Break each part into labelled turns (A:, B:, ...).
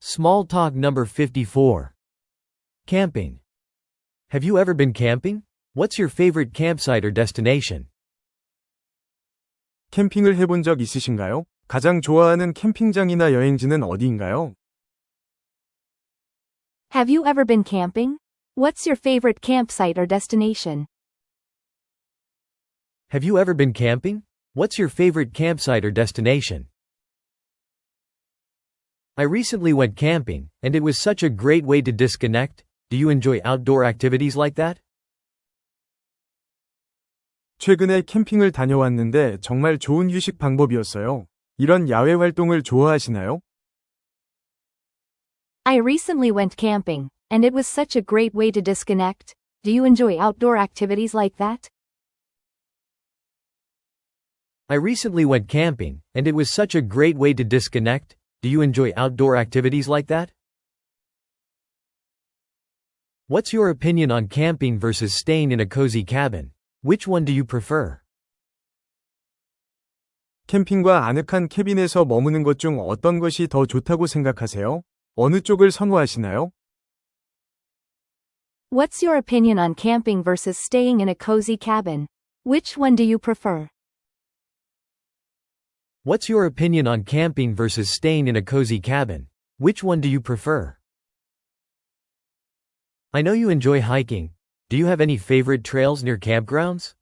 A: Small talk number 54. Camping. Have you ever been camping? What's your favorite campsite or destination?
B: 캠핑을 해본 적 있으신가요? 가장 좋아하는 캠핑장이나 여행지는 어디인가요?
C: Have you ever been camping? What's your favorite campsite or destination?
A: Have you ever been camping? What's your favorite campsite or destination? I recently went camping, and it was such a great way to disconnect. Do you enjoy outdoor activities like that?
B: 최근에 캠핑을 다녀왔는데 정말 좋은 휴식 방법이었어요. 이런 야외 활동을 좋아하시나요?
C: I recently went camping, and it was such a great way to disconnect. Do you enjoy outdoor activities like that?
A: I recently went camping, and it was such a great way to disconnect. Do you enjoy outdoor activities like that? What's your opinion on camping versus staying in a cozy cabin? Which one do you prefer?
B: 캠핑과 아늑한 캐빈에서 머무는 것 중 어떤 것이 더 좋다고 생각하세요? 어느 쪽을 선호하시나요?
C: What's your opinion on camping versus staying in a cozy cabin? Which one do you prefer?
A: What's your opinion on camping versus staying in a cozy cabin? Which one do you prefer? I know you enjoy hiking. Do you have any favorite trails near campgrounds?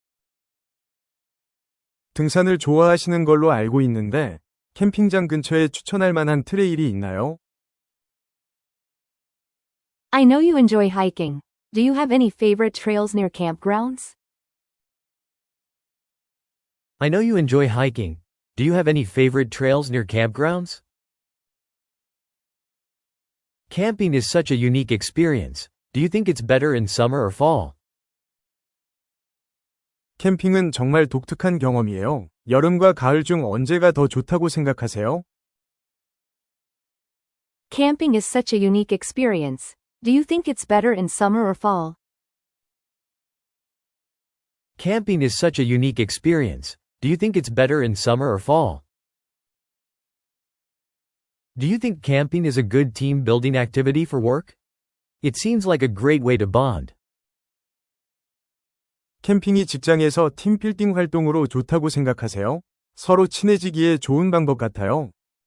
B: 등산을 좋아하시는 걸로 알고 있는데, 캠핑장 근처에 추천할 만한 트레일이 있나요?
C: I know you enjoy hiking. Do you have any favorite trails near campgrounds?
A: I know you enjoy hiking. Do you have any favorite trails near campgrounds? Camping is such a unique experience. Do you think it's better in summer or fall?
B: 캠핑은 정말 독특한 경험이에요. 여름과 가을 중 언제가 더 좋다고 생각하세요?
C: Camping is such a unique experience. Do you think it's better in summer or fall?
A: Camping is such a unique experience. Do you think it's better in summer or fall? Do you think camping is a good team building activity for work? It seems like a great way to bond.
B: 캠핑이 직장에서 팀 빌딩 활동으로 좋다고 생각하세요? 서로 친해지기에 좋은 방법 같아요.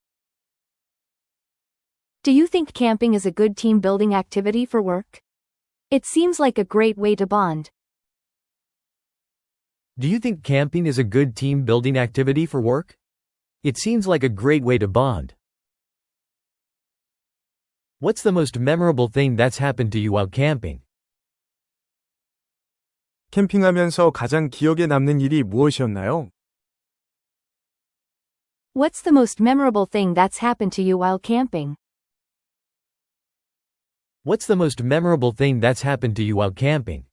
C: Do you think camping is a good team building activity for work? It seems like a great way to bond.
A: Do you think camping is a good team building activity for work? It seems like a great way to bond. What's the most memorable thing that's happened to you while camping?
B: 캠핑하면서 가장 기억에 남는 일이 무엇이었나요?
C: What's the most memorable thing that's happened to you while camping?
A: What's the most memorable thing that's happened to you while camping?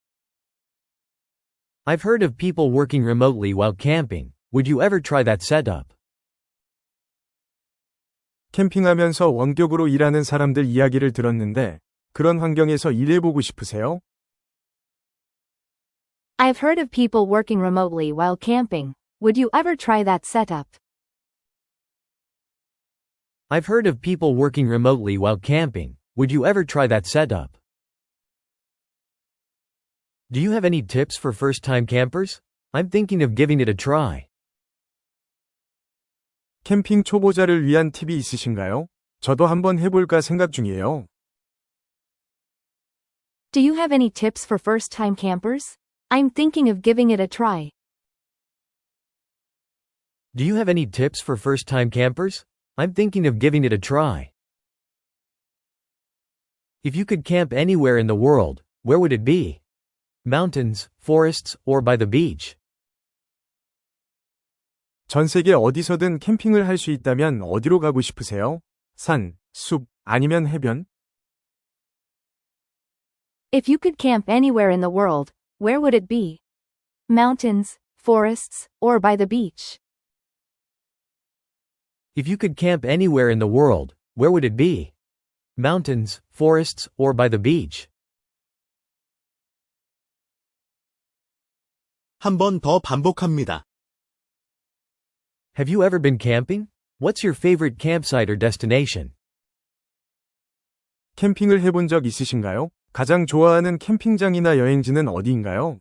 A: I've heard of people working remotely while camping. Would you ever try that setup?
B: 캠핑하면서 원격으로 일하는 사람들 이야기를 들었는데, 그런 환경에서 일해보고 싶으세요?
C: I've heard of people working remotely while camping. Would you ever try that setup?
A: I've heard of people working remotely while camping. Would you ever try that setup? Do you have any tips for first-time campers? I'm thinking of giving it a try.
B: 캠핑 초보자를 위한 팁이 있으신가요? 저도 한번 해볼까 생각 중이에요.
C: Do you have any tips for first-time campers? I'm thinking of giving it a try.
A: Do you have any tips for first-time campers? I'm thinking of giving it a try. If you could camp anywhere in the world, where would it be? Mountains, forests, or by the beach?
B: 전 세계 어디서든 캠핑을 할 수 있다면 어디로 가고 싶으세요? 산, 숲, 아니면 해변?
C: If you could camp anywhere in the world, where would it be? Mountains, forests, or by the beach?
A: If you could camp anywhere in the world, where would it be? Mountains, forests, or by the beach?
D: 한 번 더 반복합니다.
A: Have you ever been camping? What's your favorite campsite or destination?
B: 캠핑을 해본 적 있으신가요? 가장 좋아하는 캠핑장이나 여행지는 어디인가요?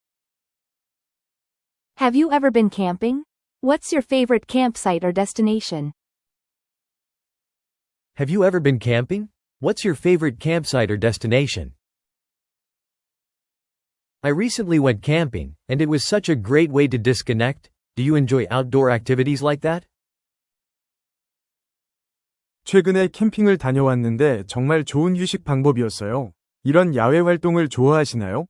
C: Have you ever been camping? What's your favorite campsite or destination?
A: Have you ever been camping? What's your favorite campsite or destination? I recently went camping, and it was such a great way to disconnect. Do you enjoy outdoor activities like that?
B: 최근에 캠핑을 다녀왔는데 정말 좋은 휴식 방법이었어요. 이런 야외 활동을 좋아하시나요?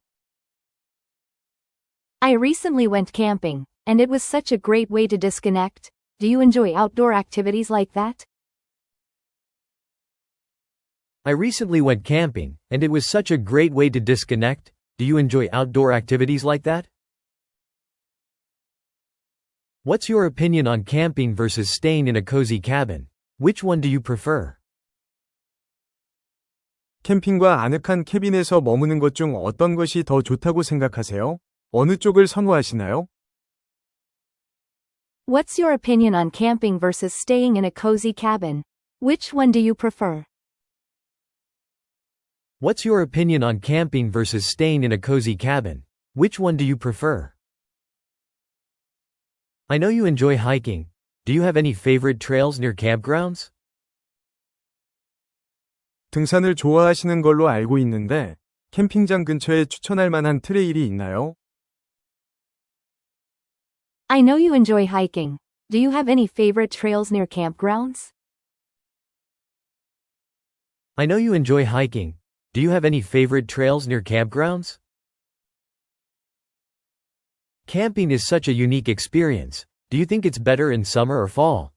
C: I recently went camping, and it was such a great way to disconnect. Do you enjoy outdoor activities like that?
A: I recently went camping, and it was such a great way to disconnect. Do you enjoy outdoor activities like that? What's your opinion on camping versus staying in a cozy cabin? Which one do you prefer?
B: 캠핑과 아늑한 캐빈에서 머무는 것 중 어떤 것이 더 좋다고 생각하세요? 어느 쪽을 선호하시나요?
C: What's your opinion on camping versus staying in a cozy cabin? Which one do you prefer?
A: What's your opinion on camping versus staying in a cozy cabin? Which one do you prefer? I know you enjoy hiking. Do you have any favorite trails near campgrounds?
B: 등산을 좋아하시는 걸로 알고 있는데, 캠핑장 근처에 추천할 만한 트레일이 있나요?
C: I know you enjoy hiking. Do you have any favorite trails near campgrounds?
A: I know you enjoy hiking. Do you have any favorite trails near campgrounds? Camping is such a unique experience. Do you think it's better in summer or fall?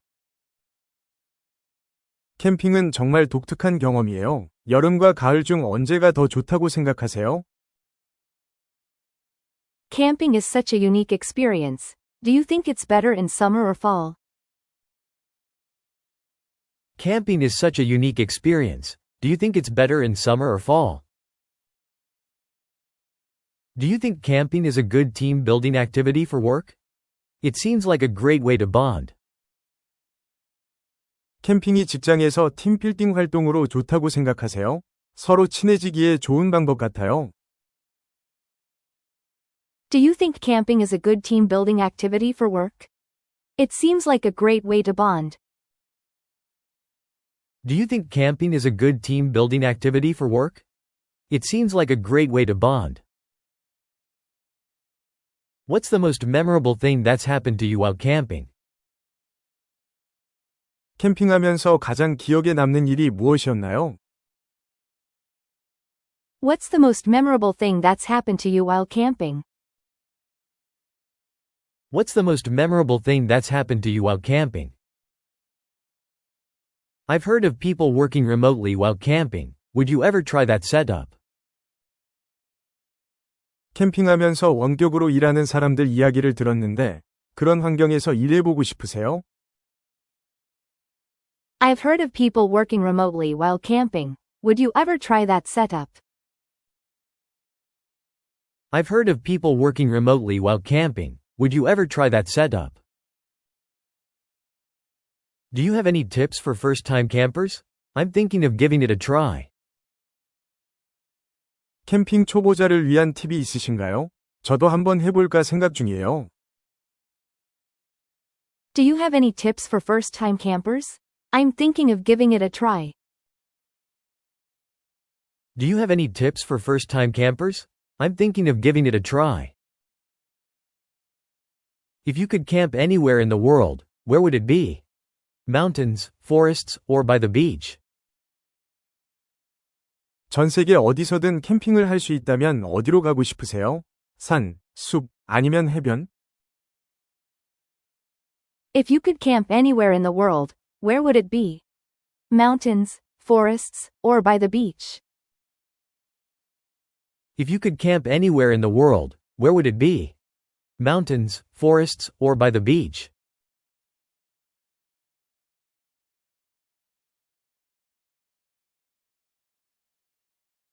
B: 캠핑은 정말 독특한 경험이에요. 여름과 가을 중 언제가 더 좋다고 생각하세요?
C: Camping is such a unique experience. Do you think it's better in summer or fall?
A: Camping is such a unique experience. Do you think it's better in summer or fall? Do you think camping is a good team building activity for work? It seems like a great way to bond.
B: 캠핑이 직장에서 팀 빌딩 활동으로 좋다고 생각하세요? 서로 친해지기에 좋은 방법 같아요.
C: Do you think camping is a good team building activity for work? It seems like a great way to bond.
A: Do you think camping is a good team building activity for work? It seems like a great way to bond. What's the most memorable thing that's happened to you while camping?
B: 캠핑하면서 가장 기억에 남는 일이 무엇이었나요?
C: What's the most memorable thing that's happened to you while camping?
A: What's the most memorable thing that's happened to you while camping? I've heard of people working remotely while camping. Would you ever try that setup?
B: 캠핑하면서 원격으로 일하는 사람들 이야기를 들었는데, 그런 환경에서 일해보고 싶으세요?
C: I've heard of people working remotely while camping. Would you ever try that setup?
A: I've heard of people working remotely while camping. Would you ever try that setup? Do you have any tips for first-time campers? I'm thinking of giving it a try.
B: 캠핑 초보자를 위한 팁이 있으신가요? 저도 한번 해볼까 생각 중이에요.
C: Do you have any tips for first-time campers? I'm thinking of giving it a try.
A: Do you have any tips for first-time campers? I'm thinking of giving it a try. If you could camp anywhere in the world, where would it be? Mountains, forests, or by the beach?
B: 전 세계 어디서든 캠핑을 할 수 있다면 어디로 가고 싶으세요? 산, 숲, 아니면 해변?
C: If you could camp anywhere in the world, where would it be? Mountains, forests, or by the beach?
A: If you could camp anywhere in the world, where would it be? Mountains, forests, or by the beach?